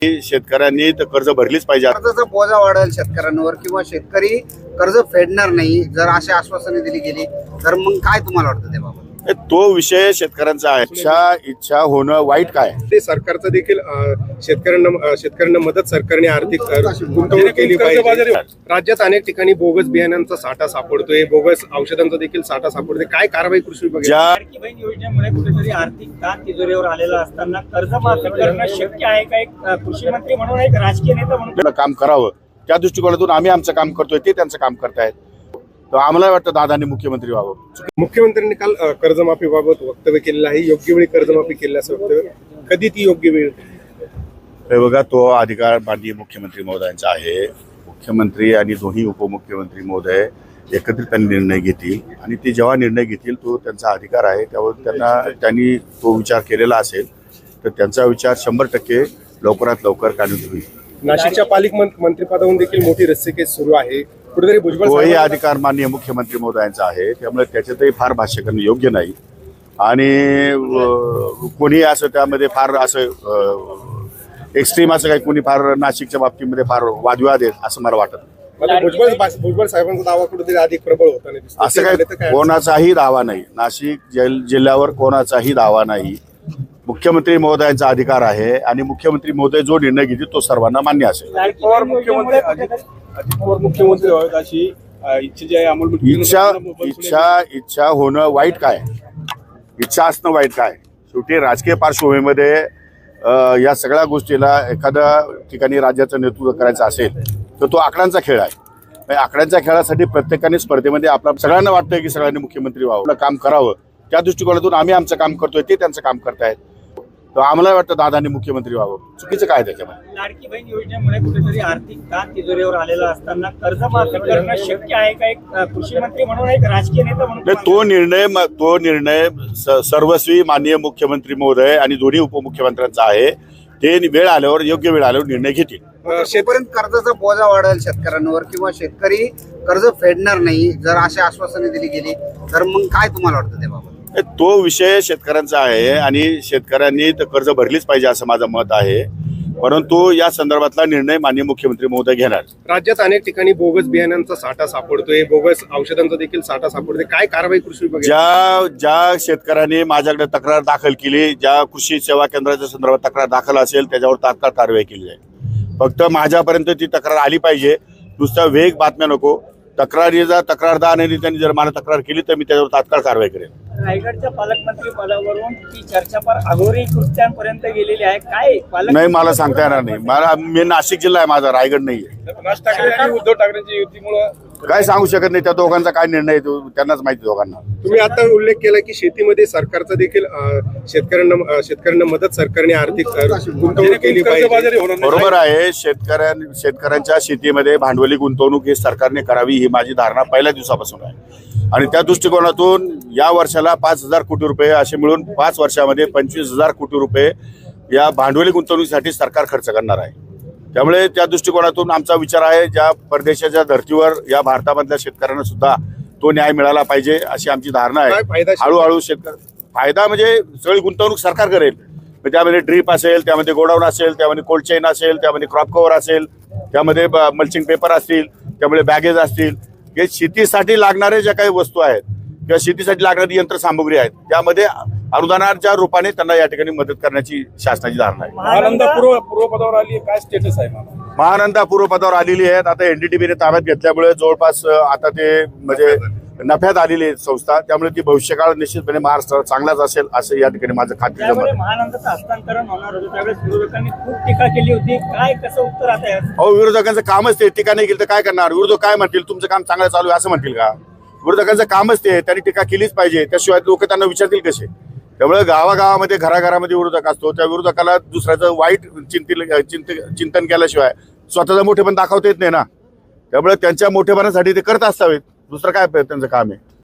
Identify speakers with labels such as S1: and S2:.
S1: शेतकऱ्यांनी तर कर्ज भरलीच पाहिजे.
S2: कर्जाचा बोजा वाढेल शेतकऱ्यांवर किंवा शेतकरी कर्ज फेडणार नाही जर अशी आश्वासने दिली गेली तर मग काय तुम्हाला वाटतं त्याबाबत?
S1: तो विषय शेतकऱ्यांचा आहे. इच्छा होणं वाईट काय?
S3: ते सरकारचं देखील शेतकऱ्यांना मदत सरकारने आर्थिक गुंतवणूक केली पाहिजे. राज्यात अनेक ठिकाणी बोगस बियाण्यांचा साठा सापडतोय, बोगस औषधांचा देखील साठा सापडतोय. काय कारवाई कृषी विभाग?
S4: लाडकी बहीण योजनेमुळे कुठेतरी आर्थिक ताण तिजोरीवर आलेला असताना कर्जमाफी करणं शक्य आहे का? एक कृषी मंत्री म्हणून, एक राजकीय नेता म्हणून
S1: काम करावं त्या दृष्टिकोनातून आम्ही आमचं काम करतोय, ते त्यांचं काम करतायत. तर आम्हाला वाटतं दादांनी मुख्यमंत्री व्हावं.
S3: मुख्यमंत्र्यांनी काल कर्जमाफीबाबत वक्तव्य केलेलं आहे. योग्य वेळी कर्जमाफी केली असं वक्तव्य. कधी ती योग्य वेळ?
S1: हे बघा, तो अधिकार माननीय मुख्यमंत्री महोदयांचा आहे. मुख्यमंत्री आणि दोन्ही उपमुख्यमंत्री महोदय एकत्रित निर्णय घेतील आणि ते जेव्हा निर्णय घेतील तो त्यांचा अधिकार आहे. त्यावर त्यांनी तो विचार केलेला असेल तर त्यांचा विचार 100% लवकरात लवकर काढून होईल.
S3: नाशिकच्या पालिक मंत्रिपदावरून देखील मोठी रस्सीकेस सुरू आहे. कुठेतरी भुजबळ
S1: तोही अधिकार माननीय मुख्यमंत्री महोदयांचा आहे. त्यामुळे त्याच्यातही फार भाष्य करणं योग्य नाही आणि कोणी असं त्यामध्ये फार असं एक्स्ट्रीम असं काही कोणी फार नाशिकच्या बाबतीमध्ये फार वादविवाद आहेत असं मला वाटत.
S3: भुजबळ साहेबांचा दावा कुठेतरी अधिक प्रबळ होता नाही.
S1: असं काही कोणाचाही दावा नाही. नाशिक जिल्ह्यावर कोणाचाही दावा नाही. मुख्यमंत्री महोदयांचा अधिकार आहे आणि मुख्यमंत्री महोदय जो निर्णय घेतील तो सर्वांना मान्य असेल.
S4: लाडकी बहीण योजनेमुळे कुठेतरी
S3: मुख्यमंत्री व्हावेत अशी इच्छा जी आहे अंमलबजावणी.
S1: इच्छा होणं वाईट काय? इच्छा असणं वाईट काय? शेवटी राजकीय पार्श्वभूमीमध्ये या सगळ्या गोष्टीला एखाद्या ठिकाणी राज्याचं नेतृत्व करायचं असेल तर तो आकड्यांचा खेळ आहे. आकड्यांच्या खेळासाठी प्रत्येकाने स्पर्धेमध्ये आपला सगळ्यांना वाटतंय की सगळ्यांनी मुख्यमंत्री व्हावं, काम करावं. त्या दृष्टिकोनातून आम्ही आमचं काम करतोय, ते त्यांचं काम करतायत. तर आम्हाला वाटतं दादांनी मुख्यमंत्री व्हावं. चुकीचं काय त्याच्यामध्ये?
S4: लाडकी बहीण योजनेमुळे कुठेतरी आर्थिक ताण तिजोरीवर आलेला असताना कर्जमाफी करणं शक्य आहे का? एक कृषी मंत्री म्हणून, एक राजकीय नेता म्हणून
S1: तो निर्णय सर्वस्वी माननीय मुख्यमंत्री महोदय आणि दोन्ही उपमुख्यमंत्र्यांचा आहे. ते वेळ आल्यावर, योग्य वेळ आल्यावर निर्णय घेतील.
S2: शेतकऱ्यांपर्यंत कर्जाचा बोजा वाढेल शेतकऱ्यांवर किंवा शेतकरी कर्ज फेडणार नाही जर अशी आश्वासने दिली गेली तर मग काय तुम्हाला वाटतं त्याबाबत?
S1: तो विषय शेतकऱ्यांचा आहे आणि शेतकऱ्यांनी तर कर्ज भरलीच पाहिजे असं माझं मत आहे. परंतु या संदर्भातला निर्णय माननीय मुख्यमंत्री महोदय घेणार.
S3: राज्यात अनेक ठिकाणी बोगस बियाण्यांचा साठा सापडतोय, बोगस औषधांचा देखील साठा सापडतोय. काय कारवाई कृषी विभाग?
S1: ज्या शेतकऱ्यांनी माझ्याकडे तक्रार दाखल केली, ज्या कृषी सेवा केंद्राच्या संदर्भात तक्रार दाखल असेल त्याच्यावर तात्काळ कारवाई केली जाईल. फक्त माझ्यापर्यंत ती तक्रार आली पाहिजे. नुसता वेग बातम्या नको. तक्रारदार आणि त्यांनी जर मला तक्रार केली तर मी त्याच्यावर तात्काळ कारवाई करेन.
S4: रायगडच्या पालकमंत्री पदावरून ती चर्चा फार अघोरी कृत्यांपर्यंत गेलेली आहे. काय
S1: नाही मला सांगता येणार नाही. मी नाशिक जिल्हा आहे माझा, रायगड नाहीये.
S3: राज ठाकरे आणि उद्धव ठाकरेंच्या युतीमुळे
S1: काय सांगू शकत नाही. त्या दोघांचा काय निर्णय आहे त्यांनाच माहिती. दोघांना
S3: तुम्ही आता उल्लेख केला की शेतीमध्ये सरकारचा देखील शेतकऱ्यांना मदत सरकारने आर्थिक गुंतवणूक केली पाहिजे.
S1: बरोबर आहे. शेतकऱ्यांच्या शेतीमध्ये भांडवली गुंतवणूक ही सरकारने करावी ही माझी धारणा पहिल्या दिवसापासून आहे. आणि त्या दृष्टिकोनातून या वर्षाला 5,000 कोटी रुपये असे मिळून 5 वर्षामध्ये 25,000 कोटी रुपये या भांडवली गुंतवणुकीसाठी सरकार खर्च करणार आहे. त्यामुळे त्या दृष्टिकोनातून आमचा विचार आहे ज्या परदेशाच्या धर्तीवर या भारतामधल्या शेतकऱ्यांना सुद्धा तो न्याय मिळाला पाहिजे अशी आमची धारणा आहे. हळूहळू फायदा म्हणजे सगळी गुंतवणूक सरकार करेल. त्यामध्ये ड्रीप असेल, त्यामध्ये गोडाऊन असेल, त्यामध्ये कोल्ड चेन असेल, त्यामध्ये क्रॉप कव्हर असेल, त्यामध्ये मल्चिंग पेपर असतील, त्यामुळे बॅगेज असतील. हे शेतीसाठी लागणारे ज्या काही वस्तू आहेत किंवा शेतीसाठी लागणारी यंत्रसामुग्री आहेत त्यामध्ये अनुदानाच्या रूपाने त्यांना या ठिकाणी मदत करण्याची शासनाची धारणा आहे.
S3: महानंदा पूर्वपदावर आली, काय स्टेटस आहे?
S1: महानंदा पूर्वपदावर आलेली आहेत. आता एनडीटीबीने ताब्यात घेतल्यामुळे जवळपास आता ते म्हणजे नफ्यात आलेली आहे संस्था. त्यामुळे ती भविष्यकाळ निश्चितपणे महाराष्ट्रात चांगलाच असेल असं या ठिकाणी माझं खात्री आहे.
S4: महानंदाचं हस्तांतरण होणार होतं त्यावेळेस विरोधकांनी खूप टीका केली होती. काय कसं उत्तर आता?
S1: अहो, विरोधकांचं कामच ते. टीका नाही केली तर काय करणार? विरोधक काय म्हणतील? तुमचं काम चांगलं चालू आहे असं म्हणतील का? विरोधकांचं कामच ते. त्यांनी टीका केलीच पाहिजे. त्याशिवाय लोक त्यांना विचारतील कसे? त्यामुळे गावागावामध्ये घराघरामध्ये विरोधक असतो. त्या विरोधकाला दुसऱ्याचं वाईट चिंतन केल्याशिवाय स्वतःचा मोठेपण दाखवता येत नाही ना. त्यामुळे त्यांच्या मोठेपणासाठी ते करत असावेत. दुसरं काय त्यांचं काम आहे?